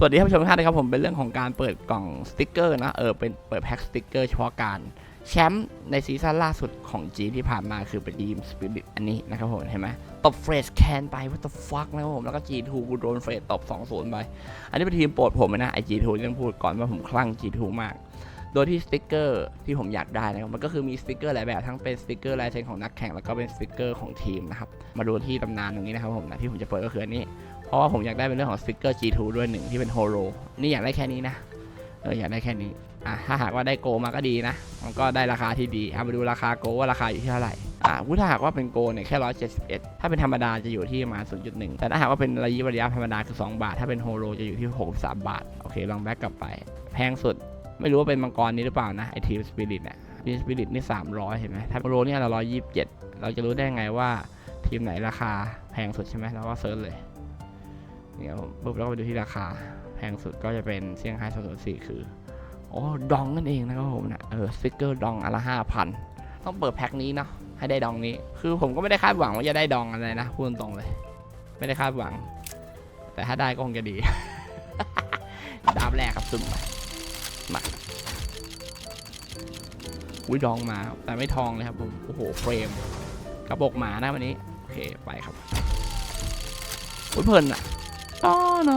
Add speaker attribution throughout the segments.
Speaker 1: สวัสดีท่านผู้ชมทุกท่านนะครับผมเป็นเรื่องของการเปิดกล่องสติกเกอร์นะเป็นเปิดแพ็คสติกเกอร์เฉพาะการแชมป์ในซีซั่นล่าสุดของจีที่ผ่านมาคือเป็นทีมสปิริตอันนี้นะครับผมเห็นไหมตบเฟรชแคนไป what the fuck นะครับผมแล้วก็ G2 กูโดนเฟรชตบ 2-0 ไปอันนี้เป็นทีมโปรดผมนะไอ G2 ต้องพูดก่อนว่าผมคลั่ง G2 มากโดยที่สติกเกอร์ที่ผมอยากได้นะครับมันก็คือมีสติกเกอร์หลายแบบทั้งเป็นสติกเกอร์ลายเซ็นของนักแข่งแล้วก็เป็นสติกเกอร์ของทีมนะครับมาดูที่ตำนานตรงนี้นะครับผมนะที่ผมจะเปิดก็คืออันนี้เพราะว่าผมอยากได้เป็นเรื่องของสติกเกอร์ G2 ด้วยหนึ่งที่เป็นโฮโลนี่อยากได้แค่นี้นะอยากได้แค่นี้ถ้าหากว่าได้โกมาก็ดีนะมันก็ได้ราคาที่ดีเอามาดูราคาโกว่าราคาอยู่ที่เท่าไหร่ถ้าหากว่าเป็นโกเนี่ยแค่171ถ้าเป็นธรรมดาจะอยู่ที่ประมาณ 0.1 แต่ถ้าหากว่าเป็นระยะธรรมดาคือ2 บาทถ้าเป็นโฮโลจะอยู่ที่63 บาทโอเคลองแบ็กกลับไปแพงสุดไม่รู้ว่าเป็นมังกรนี้หรือเปล่านะไอทีมสปิริตเนี่ยทีมสปิริตนี่300เห็นไหมถ้าโฮโลเนี่ยเรา127เราจะรู้ได้ไงว่าทีมไหนราคาแพงสุดใช่ไหมเราก็เซิร์ชเลยเนี่ยปุ๊บแล้วก็ไปดูที่ราคาแพงสุดก็จะเป็นเซี่ยงไฮ้204คือดองนั่นเองนะครับผมนะสติกเกอร์ดองอันละ 5,000 ต้องเปิดแพ็คนี้เนาะให้ได้ดองนี้คือผมก็ไม่ได้คาดหวังว่าจะได้ดองอะไรนะพูดตรงเลยไม่ได้คาดหวังแต่ถ้าได้ก็คงจะดี ดาบแรกครับซึมมาดองมาแต่ไม่ทองเลยครับผมโอ้โหเฟรมกระบอกหมานะวันนี้โอเคไปครับเพลินอะต้อน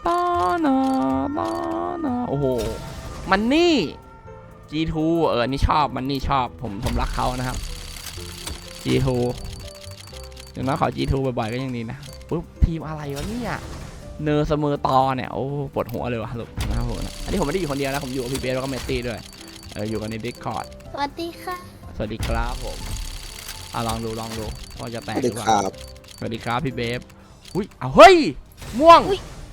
Speaker 1: อโอ้โหมันนี่ G2 นี่ชอบมันนี่ชอบผมรักเขานะครับ G2 อย่างน้อยขอ G2 บ่อยๆก็ยังดีนะปุ๊บทีมอะไรวะเนี่ยเนอร์เสมอตอเนี่ยโอ้ปวดหัวเลยวะลูกนะครับผมอันนี้ผมไม่ได้อยู่คนเดียวนะผมอยู่กับพี่เบสแล้วก็เมตตี้ด้วยอยู่กันใน Discord
Speaker 2: สวัสดีค่ะ
Speaker 1: สวัสดีครับผมลองดูว่าจะแตกหรือเปล่าสวัสดีครับพี่เบฟอุ้ยเฮ้ยม่วง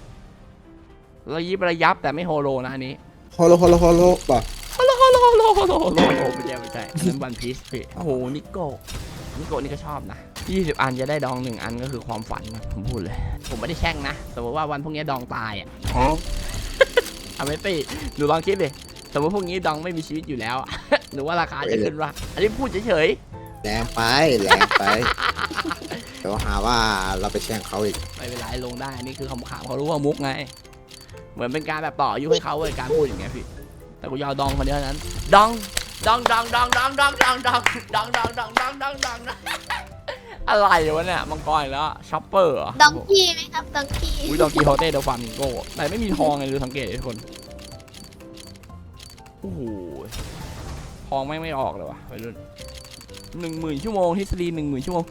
Speaker 1: ระยับแต่ไม่โฮโลนะอันนี้
Speaker 3: โฮโลป่ะ
Speaker 1: ไม่ใช่นั่นวันพีชพี่โอ้โหนิโก้นี่ก็ชอบนะ20 อันจะได้ดอง1 อันก็คือความฝันนะผมพูดเลยผมไม่ได้แช่งนะสมมติว่าวันพวกนี้ดองตายไม่ตีหนูลองคิดดิสมมติพวกนี้ดองไม่มีชีวิตอยู่แล้วหนูว่าราคาจะขึ้นวะอันนี้พูดเฉย
Speaker 3: แรงไปเดี๋ยวหาว่าเราไปแช่งเขาอีก
Speaker 1: ไม่เป็นไรลงได้นี่คือคำขำเขารู้ว่ามุกไงเหมือนเป็นการแบบต่ออายุให้เขาเลยการพูดอย่างเงี้ยพี่แต่กูยาวดองคนเดียวนั้นดองอะไรวะเนี่ยมังกรแล้วช็อปเปอร์
Speaker 2: ดองกี้ไหมครับดองกี้
Speaker 1: ดองกี้โฮเต้เดลฟามิงโก้แต่ไม่มีทองเลยดูสังเกตทุกคนโอ้โหทองไม่ออกเลยวะไปรุ่น10,000 ชั่วโมงทฤษฎี10,000 ชั่วโมง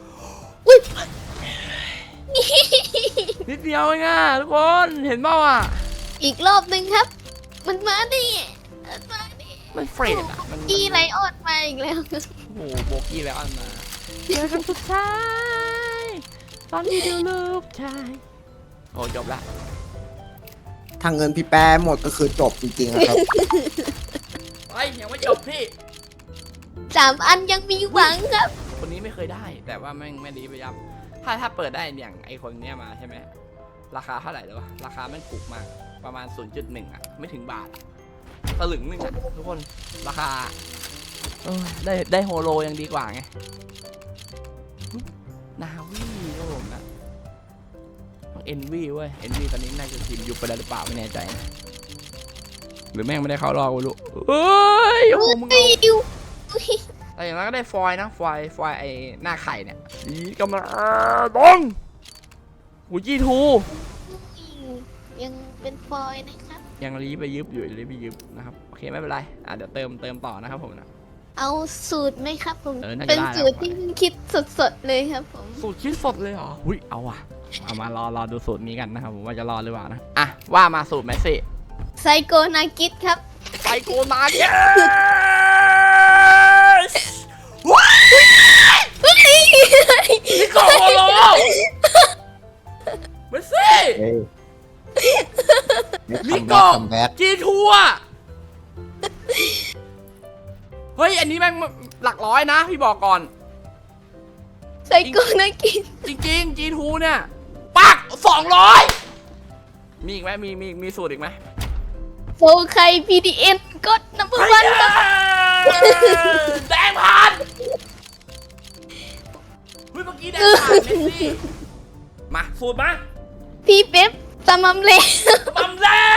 Speaker 1: นิดเดียวเองอ่ะทุกคนเห็นเปล่าอ่ะ
Speaker 2: อีกรอบหนึ่งครับมันมาดิ
Speaker 1: มันเฟรดอ่ะมัน
Speaker 2: กี้ไลออนมาอีกแล้ว
Speaker 1: โอ้โหโบกี้ไลออนมาเจอกันสุดท้ายตอนนี้ดูลูกชายโอ้จบละ
Speaker 3: ทางเงินพี่แป้หมดก็คือจบจริงๆครับ
Speaker 1: ยังไม่จบพี่
Speaker 2: 3 อันยังมีหวังครับ
Speaker 1: คนนี้ไม่เคยได้แต่ว่าไม่ดีไปยับถ้าเปิดได้อย่างไอคนเนี้ยมาใช่ไหมราคาเท่าไหร่เลยวะราคามันถูกมากประมาณ 0.1 อ่ะไม่ถึงบาทสลึงนึงอ่ะทุกคนราคาได้โฮโลยังดีกว่าไงนาวีก็ผมนะเอ็นวีเว้ยเอ็นวีตอนนี้น่าจะทีมยุบไปแล้วหรือเปล่าไม่แน่ใจนะหรือแม่งไม่ได้เข้ารอบกูรู้โอ้มึงแต่อย่างนั้นก็ได้ฟอยนะฟอยไอหน้าไข่เนี่ยกำลังดองหูG2
Speaker 2: ยังเป็นฟอยนะครับ
Speaker 1: ยังรีบไปยึบอยู่นะครับโอเคไม่เป็นไรเดี๋ยวเติมต่อนะครับผมนะ
Speaker 2: เอาสูตรไหมครับผมเป็นสูตรที่คิดสดเลยครับผม
Speaker 1: สูตรคิดสดเลยเหรอเอาว่ะเอามารอดูสูตรนี้กันนะครับผมว่าจะรอหรือเปล่านะว่ามาสูตรแมสซี่
Speaker 2: ไซโกนากิสครับ
Speaker 1: ไซโกนากิสนี่ก็โฮโลแมสซี่มิโกะG2อ่ะเฮ้ยอันนี้แม่งหลักร้อยนะพี่บอกก่อน
Speaker 2: ไซโกนากิส
Speaker 1: จริงG2เนี่ยปัก200มีอีกไหมมีสูตรอีกไหม
Speaker 2: โฟไค PDN กดนับ1ครับ
Speaker 1: แดงผ่านเมื่อกี้แดงผ่านเมสซี่มาสูตรมา
Speaker 2: พี่เป๊ปตะมัมเล่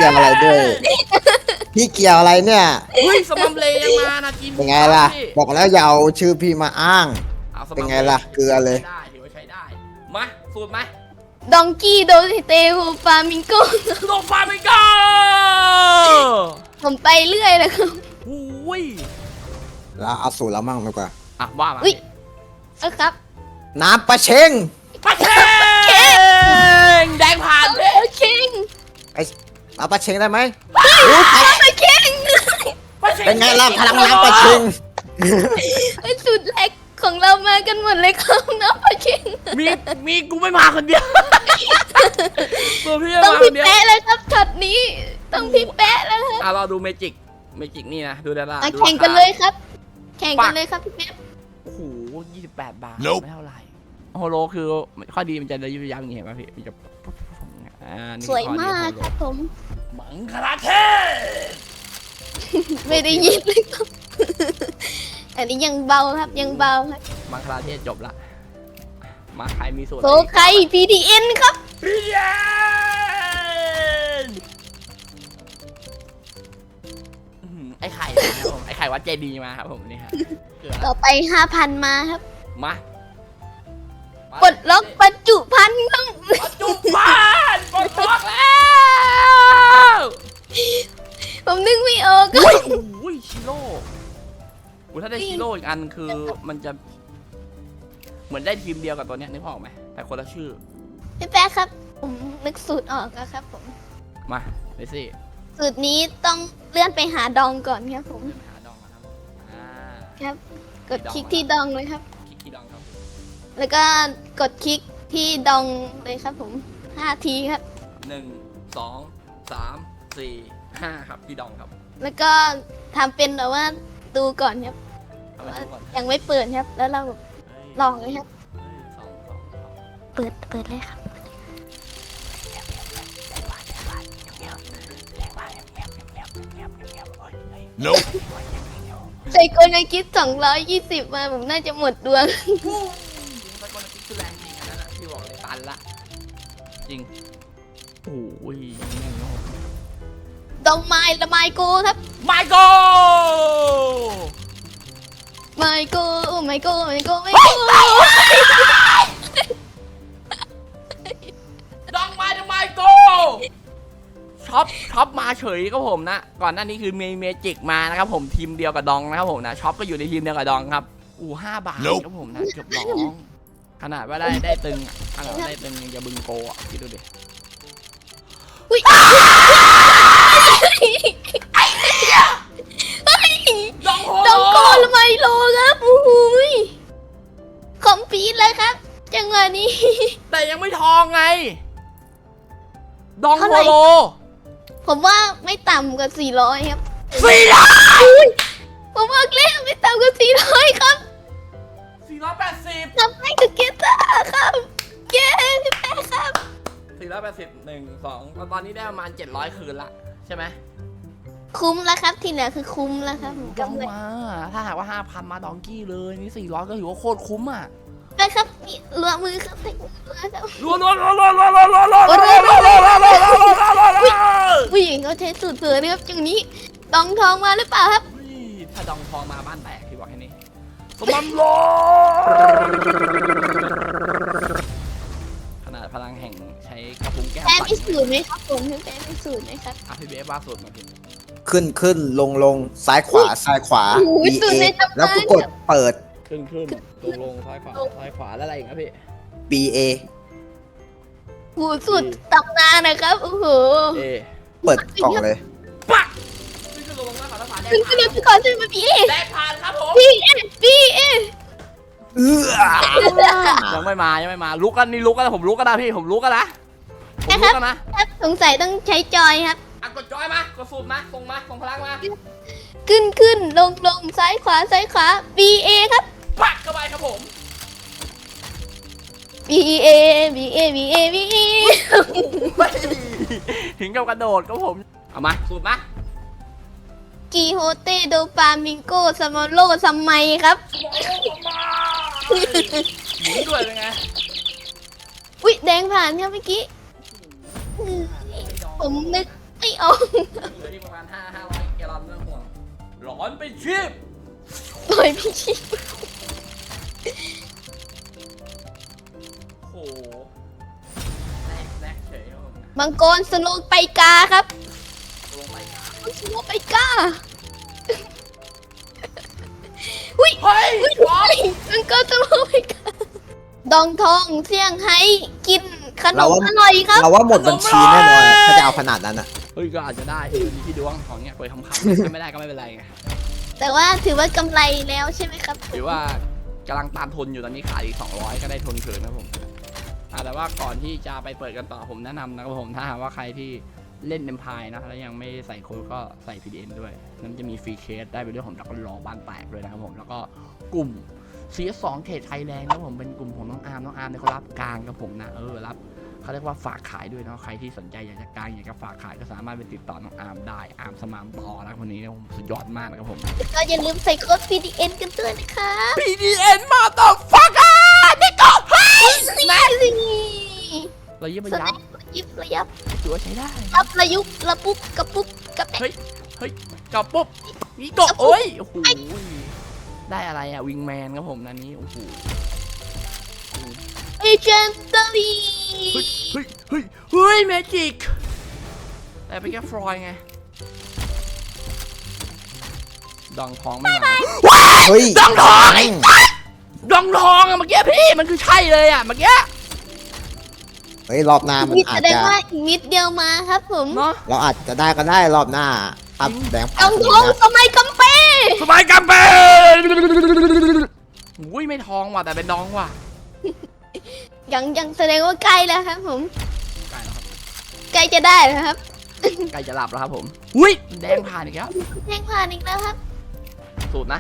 Speaker 3: ยวอะไรด้วยพี่เกี่ยวอะไรเนี่ย
Speaker 1: เฮ้ยสมัมเลยังมานะจีน
Speaker 3: เป็นไงล่ะ บอกแล้วอย่าเอาชื่อพี่มาอ้าง
Speaker 1: อาสมัม
Speaker 3: เป็นไงล่ะเกลือเลย
Speaker 1: ได้ถือว่าใช้ได้มาสูตรไหม
Speaker 2: ดองกี้โดเตโฮฟามิงโก
Speaker 1: โดฟามิงโก้
Speaker 2: ผมไปเรื่อยเลยครับ
Speaker 1: อุ้ย
Speaker 3: แล้วเอาสูตรแล้วมั่งดีกว่า
Speaker 1: อ่ะว่ามา
Speaker 2: อุ้ยครับ
Speaker 3: น้ำปลาเชง
Speaker 1: ปะเชงแดงผ่านเลย
Speaker 2: โอเค
Speaker 3: เอาปลาเชงได้ไหม
Speaker 2: โอเค
Speaker 1: ปะช
Speaker 3: เป็นไงล่ะพลังน้ำปลาเชง
Speaker 2: สุดแรกของเรามากันหมดเลยครับน้ำปลาเค็ง
Speaker 1: มีกูไม่มาคนเดียวตัวพี่
Speaker 2: ต้อง
Speaker 1: มาค
Speaker 2: พี่
Speaker 1: นเดียว
Speaker 2: แปะเลยครับช็อตนี้ต้องพี่แปะแล้วครับ
Speaker 1: อ่ะเราดูเมจิกนี่นะดูได้ละ
Speaker 2: แข่งกันเลยครับ แข่งกันเลยครับพี่แปะ
Speaker 1: โอ้โห28 บาทไม่เท่าไหร่โฮโลคือข้อดีมันจะระยิบระยับอย่างเงี้ยเห็นป่ะพี่มันจะนี่
Speaker 2: สวยมากครับผม
Speaker 1: มังคลาเทศ
Speaker 2: ไม่ได้ยินเลยครับ อันนี้ยังเบาครับยังเบาครับ
Speaker 1: มังคลาเทศจบละมาใครมีสูตร
Speaker 2: โซไค PDN ครับ
Speaker 1: พี่เย็นไอ้ไข่นะครับผมไอ้ไข่วัดเจดีมาครับผมนี่ครับเกลือ
Speaker 2: ต่อไป 5,000 มาครับ
Speaker 1: มา
Speaker 2: ปลดล็อกบรรจุภัณฑ์ครับ
Speaker 1: ปัจจุบันปลดล็อกแล้ว
Speaker 2: ผมนึกไม่ออกค
Speaker 1: อุ้
Speaker 2: รั
Speaker 1: ย
Speaker 2: บ
Speaker 1: โอ้ยชิโร่ถ้าได้ชิโร่อีกอันคือมันจะเหมือนได้ทีมเดียวกับตัวเนี้ยนึกออกไหมแต่คนละชื่อ
Speaker 2: พี่แป๊ะครับ ผมนึกสูตรออกแล้วครับผม
Speaker 1: มาเลซี่
Speaker 2: สูตรนี้ต้องเลื่อนไปหาดองก่อนครับผม
Speaker 1: หาดองนะครับอ่า
Speaker 2: ครับ กดคลิกที่ดองเลยครับ
Speaker 1: คลิกที่ดองครับ
Speaker 2: แล้วก็กดคลิกที่ดองเลยครับผม5 ทีครับ
Speaker 1: 1 2 3 4 5ครับที่ดองครับ
Speaker 2: แล้วก็ทำเป็นแบบว่าดูก่อนครับ
Speaker 1: เอาไป
Speaker 2: ว่า
Speaker 1: ดูก่อน
Speaker 2: ยังไม่เปิดครับ แล้วเรา
Speaker 1: เฮ้ย
Speaker 2: ลองเลยครับ
Speaker 1: เฮ้ยสอง
Speaker 2: เปิดเลยครับ
Speaker 4: Nope.
Speaker 2: ใส่กลในคิด220 มาผมน่าจะหมดดวง
Speaker 1: ตะโกนติ๊กคือแรงจริงอันนั้นอะพี่บอกเลยตันละจริงโอ้ย
Speaker 2: ดองไม้ละไมโกครับ
Speaker 1: ไมโก
Speaker 2: ไมโกไมโกไมโกไมโก
Speaker 1: ดองไมโกช็อปมาเฉยครับผมนะก่อนหน้านี้คือเมจิกมานะครับผมทีมเดียวกับดองนะครับผมนะช็อปก็อยู่ในทีมเดียวกับดองครับ5 บาทครับผมนะจบร้องขนาดว่าได้ตึงขนาดได้ตึงยังจะบึงโกอ่ะคิดดูดิ
Speaker 2: อุ้ย
Speaker 1: ดองโฮ
Speaker 2: ดองโกละไมโลครับโอ้โหยคอมพีทเลยครับ จังหวะนี้
Speaker 1: แต่ยังไม่ทองไงดอง
Speaker 2: เท่า
Speaker 1: โฮ
Speaker 2: ไหร่
Speaker 1: โล
Speaker 2: ผมว่าไม่ต่ำกว่า400ครับ
Speaker 1: 400
Speaker 2: ผมบอกแล้วไม่ต่ำกว่า400ครับ
Speaker 1: 480
Speaker 2: ทำให้กับเกตาครับเย้พี่แป๊ะครับ
Speaker 1: 480 1 2ตอนนี้ได้ประมาณ700 คืนละใช่ไหม
Speaker 2: คุ้มแล้วครับที่เหลือคือคุ้มแล้วครับผม
Speaker 1: ดอง
Speaker 2: กำไร
Speaker 1: มาถ้าหากว่า 5,000 มาดองกี้เลยนี่400ก็ถือว่าโคตรคุ้มอ่ะ
Speaker 2: ไปครับนี่รัวมือครับไปรัวครับ
Speaker 1: รัว
Speaker 2: ผู้หญิงเขาใช้สูตรเผื่อนะครับอย่างนี้ดองทองมาหรือเปล่าครับ
Speaker 1: ถ้าดองทองมาบ้านแตกพี่บอกแค่นี้สมบัติโลขนาดพลังแห่งใช้กระพุ้งแก้ว
Speaker 2: แป๊ะ
Speaker 1: ปั่น
Speaker 2: มีสูตรไหมครับผมพี่แป๊ะมีสูตรไหมครับ
Speaker 1: อ่ะพี่เบสว่าสุดมาพี่
Speaker 3: ขึ้นลงซ้ายขวาซ้ายขวา
Speaker 2: โอ้ย
Speaker 3: B
Speaker 2: สูตรใน
Speaker 3: A
Speaker 2: ตำนาน
Speaker 3: แล้วก็กดเปิด
Speaker 1: ขึ้นลงซ้ายขวาแล้วอะไรอีกนะพี่
Speaker 3: B A
Speaker 2: หูสูตรตำนานนะครับโอ้โห
Speaker 1: เอ
Speaker 3: เปิดกล่องเลย
Speaker 1: ปักขึ้นลงซ้ายขวาแล้วผ่าน
Speaker 2: ขึ้นเลยก่อนใช่ไหมพี่เอ
Speaker 1: แดกผ่านครับผม
Speaker 2: พี่เอพี่เอ
Speaker 1: ยังไม่มาลุกกันนี่ลุกกันผมลุกกันนะพี่ผมลุกกันนะผมลุกกันนะครับ
Speaker 2: สงสัยต้องใช้จอยครับ
Speaker 1: อ่ะกดจอยมากดสูตรมาส่งพลังมา
Speaker 2: ขึ้นลงซ้ายขวาB A ครับ
Speaker 1: ปักเข้าไปครับผม
Speaker 2: B A B A B A B A
Speaker 1: ถึงกับกระโดดครับผมเอามาสูตรมา
Speaker 2: กีโฮเตโดปามิงโกสมอโลซัมไมครับ
Speaker 1: หมุนด้วยเป็นไง
Speaker 2: อุ๊ยแดงผ่านครับเมื่อกี้ผมนึกไม่ออก
Speaker 1: เหลือที่ประมาณ500แกลลอนไม่ต้องห่วงร้อนเป็นชีพ
Speaker 2: ปล่อยพี่ชี
Speaker 1: โอ้โหแรกเฉยครับผม
Speaker 2: มังกรสโลไปกาครับ
Speaker 1: ลงไปครับ
Speaker 2: สโลไปกาอุ้ย
Speaker 1: เฮ้ย
Speaker 2: อุ้ยมังกรสโลไปกาดองทองเสี่ยงไฮ้กินขนมอร่อยครับ
Speaker 3: เราว่าหมดบัญชีแน่นอนอะถ้าจะเอาขนาดนั้นอะ
Speaker 1: เฮ้ยก็อาจจะได้ที่ดวงของเนี้ยไปทำข่าวถ้าไม่ได้ก็ไม่เป็นไรไง
Speaker 2: แต่ว่าถือว่ากำไรแล้วใช่ไหมครับ
Speaker 1: หรือว่ากำลังตามทุนอยู่ตอนนี้ขายอีก200ก็ได้ทุนคืนนะผมแต่ว่าก่อนที่จะไปเปิดกันต่อผมแนะนำนะครับผมถ้าหากว่าใครที่เล่นเนมพายนะแล้วยังไม่ใส่โค้ดก็ใส่ PDN ด้วยนั้นจะมีฟรีเคสได้ไปด้วยของดักรอบ้านแตกเลยนะครับผมแล้วก็กลุ่ม CS2 เทรดไทยแลนด์นะผมเป็นกลุ่มของน้องอาร์มเนี่ยเขารับกลางกับผมนะรับเขาเรียกว่าฝากขายด้วยเนาะใครที่สนใจอยากจะกลางอยากจะฝากขายก็สามารถไปติดต่อน้องอาร์มได้อาร์มสมามต่อนะคนนี้นะผมสุดยอดมากนะครับผม
Speaker 2: ก็อย่าลืมใส่โค้ด PDN กันด้วยนะคะ
Speaker 1: PDN มาต่อฟักอ่ะนี่ก็ให้
Speaker 2: แม่สิ
Speaker 1: เรายิบไป
Speaker 2: แสด
Speaker 1: ยับ
Speaker 2: งระยิบระยับ
Speaker 1: ถือว่าใช้ได้
Speaker 2: รับระยุบระปุ๊บกระปุ๊บกระแปะ
Speaker 1: เฮ้ยกับปุ๊บนี่ก็โอ้ยโอ้โหได้อะไรอ่ะวิงแมนครับผมนันนี้โอ้โห
Speaker 2: เอเจนต์ลี
Speaker 1: เฮ้ยเมจิกแต่เป็นแค่ฟลอยไงดองทองไม่มา
Speaker 3: เฮ้ย
Speaker 1: ดองทองไอ้สัสดองทองอะเมื่อกี้พี่มันคือใช่เลยอะเมื่อกี้
Speaker 3: เฮ้ยรอบหน้ามัน
Speaker 2: นี่
Speaker 3: อา
Speaker 2: แส
Speaker 3: จ
Speaker 2: ดง
Speaker 3: จะ
Speaker 2: ว่าอีกนิดเดียวมาครับผม
Speaker 1: เนาะ
Speaker 3: เราอาจจะได้ก็ได้รอบหน้าครับแบงค์
Speaker 2: ดองทองสมัยกัมเป้
Speaker 1: สบายกัมเปอุ้ยไม่ทองว่ะแต่เป็นดองว่ะ
Speaker 2: ยังแสดงว่าใกล้แล้วครับผม
Speaker 1: ใกล้แล้วครับ
Speaker 2: ใกล้จะได้แล้วครับ
Speaker 1: ใกล้จะหลับแล้วครับผมอุ้ยแดงผ่านอีกแล้ว
Speaker 2: แจ้งผ่านอีกแล้วครับ
Speaker 1: สูตรนะ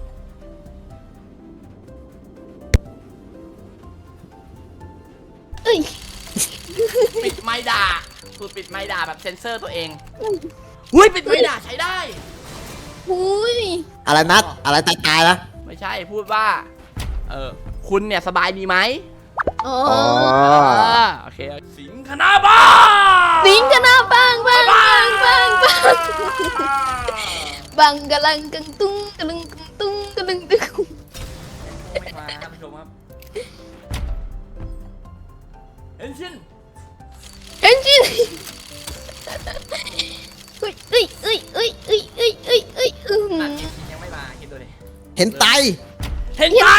Speaker 2: เอ้ย
Speaker 1: ปิดไม้ด่าสูตรปิดไม้ด่าแบบเซ็นเซอร์ตัวเองอุ้ยปิดไม้ด่าใช้ได้
Speaker 2: หุย
Speaker 3: อะไรนัดอะไรตายๆนะ
Speaker 1: ไม่ใช่พูดว่าคุณเนี่ยสบายดีไหม
Speaker 2: อ๋อ
Speaker 3: อ๋อ
Speaker 1: โอเคสิงคณาบ้า
Speaker 2: สิงกันนะบังบังกะลังกังตุ้งกะลังกังตุ้งกะลังตึง
Speaker 1: ไม่มาครับผู้ชมครับเอ็นชิน
Speaker 2: เอ็นจินเอ้ยเอ้ยเอ้ยเอ้ยเอ้ยเอ้ยเอ้ยเอ้ยเอ้ย
Speaker 1: นั่นเอ็นชินยังไม่มาคิดดูดิ
Speaker 3: เห็นไต
Speaker 1: เห็นไต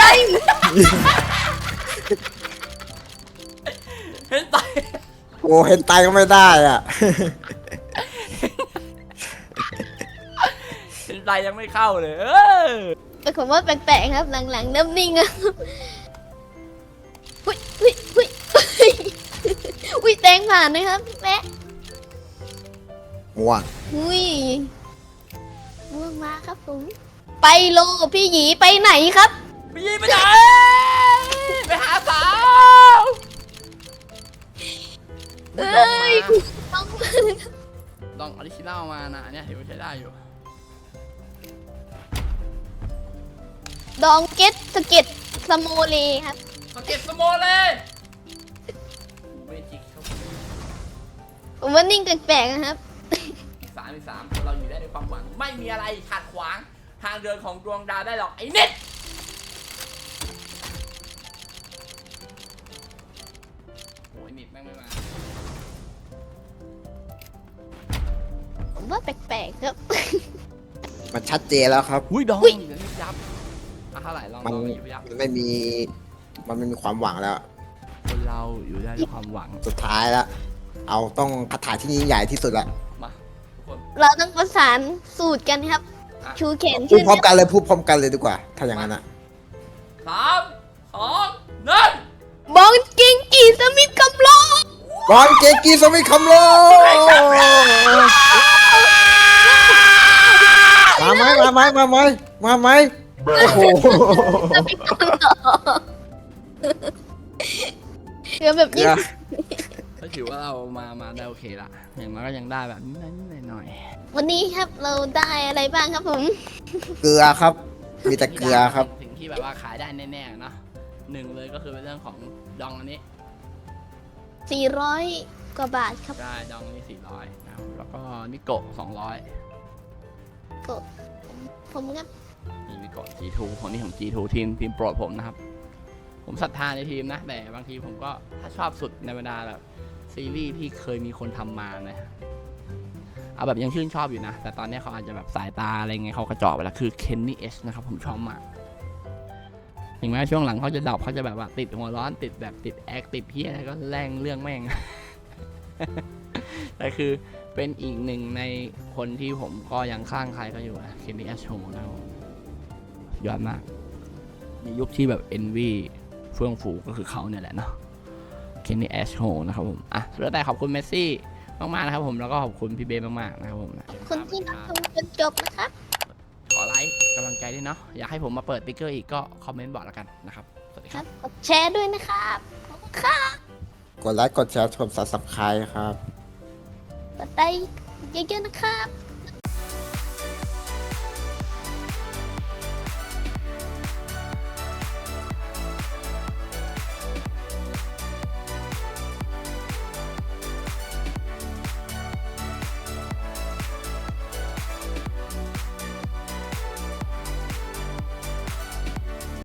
Speaker 1: เห็นไต
Speaker 3: โอ้เห็นไตก็ไม่ได้อ่ะ
Speaker 1: เห็นไตยังไม่เข้าเลย
Speaker 2: แต่ผมว่าแปลกๆครับหลังๆเริ่มนิ่งแล้วอุ้ยอุ้ยอุ้ยอุ้ยแตงผ่านนะครับแม่
Speaker 3: ม่วง
Speaker 2: อุ้ยม่วงมาครับผมไปโลพี่หยีไปไหนครับ
Speaker 1: ไปยิงไปไหนไปหาสาว
Speaker 2: เอ้ยต้อง
Speaker 1: ลองออริจินัลมานะอันเนี้ยถือว่าใช้ได้อยู่
Speaker 2: ดองเก็ตสเก็ตสโมเลครับ
Speaker 1: สเก็ตสโมเลยเมจิกครับ
Speaker 2: ผมว่านิ่งแปลกๆนะครับ
Speaker 1: อีกสามเราอยู่ได้ด้วยความหวังไม่มีอะไรขัดขวางทางเดินของดวงดาวได้หรอกไอ้เน็ตโอ้ยเน็ตแม่งไม่มา
Speaker 2: ผมว่าแปลกๆครับ
Speaker 3: มันชัดเจนแล้วครับ
Speaker 1: อุ้ยดอง
Speaker 2: อุ๊ย
Speaker 1: เดี๋ยวยิบยับเท่าไหร่ลอง
Speaker 3: มัน
Speaker 1: ยิบยับ
Speaker 3: มันไม่มีความหวังแล้ว
Speaker 1: คนเราอยู่ได้ด้วยความหวัง
Speaker 3: สุดท้ายแล้วเอาต้องคาถาที่ยิ่งใหญ่ที่สุดละ
Speaker 1: มาทุกคน
Speaker 2: เราต้องประสานสูตรกันครับ
Speaker 1: อ่ะ
Speaker 2: ชูแขน
Speaker 3: พูด
Speaker 2: ขึ้น
Speaker 3: พร้อมกันเลยพูดพร้อมกันเลยดีกว่า ถ้าอย่างนั้นอ่ะ
Speaker 1: 3 2 1
Speaker 2: บองกิงกีสมิธกำลอง
Speaker 3: บอลเกกีสมิธคำโลมาไหมโอ้โห
Speaker 2: สมิธกำลองเดี๋ยวแบบนี้
Speaker 1: ก็ถือว่าเรามาได้โอเคละอย่างน้อยก็ยังได้แบบนิดหน่อย
Speaker 2: วันนี้ครับเราได้อะไรบ้างครับผม
Speaker 3: เกลือครับ มีแต่เกลือครับ
Speaker 1: สิ่งที่แบบว่าขายได้แน่ๆเนาะหนึ่งเลยก็คือเป็นเรื่องของดองอันนี้
Speaker 2: 400 กว่าบาทครับ
Speaker 1: ได้ดองนี่400นะครับแล้วก็นิโกะ200
Speaker 2: ผมครับ
Speaker 1: นี่นิโกะ G2 ของนี่ของ G2 ทีมโปรดผมนะครับ ผมศรัทธาในทีมนะ แต่บางทีผมก็ถ้าชอบสุดในบรรดาแบบซีรีส์ที่เคยมีคนทำมานะเอาแบบยังชื่นชอบอยู่นะ แต่ตอนนี้เขาอาจจะแบบสายตาอะไรเงี้ยเขากระจอกไปแล้วคือ Kenny S นะครับผมชอบมากถึงแม้ช่วงหลังเขาจะดรอปเขาจะแบบว่าติดหัวร้อนติดแบบติดแอคติดเพี้ยอะไรก็แรงเรื่องแม่ง แต่คือเป็นอีกหนึ่งในคนที่ผมก็ยังข้างใครก็อยู่นะ Kenny S Show นะครับผมยอดมากในยุคที่แบบ Envy เฟื่องฟูก็คือเขาเนี่ยแหละเนาะ Kenny S Show นะครับผมอ่ะสุดท้ายขอบคุณเมสซี่มากๆนะครับผมแล้วก็ขอบคุณพี่เบมากๆนะครับผม
Speaker 2: คนที่รับชมจนจบนะครับ
Speaker 1: ขอไลค์กำลังใจด้วยเนาะอยากให้ผมมาเปิดติ๊กเกอร์อีกก็คอมเมนต์บอกแล้วกันนะครับสวัสดี
Speaker 2: ค
Speaker 1: ค
Speaker 2: รั
Speaker 1: รั
Speaker 2: บบ กดแชร์ด้วยนะครับขอบคุณครับ
Speaker 3: กดไลค์กดแชร์กด Subscribe ครับ
Speaker 2: กดไลค์เยอะๆนะครับ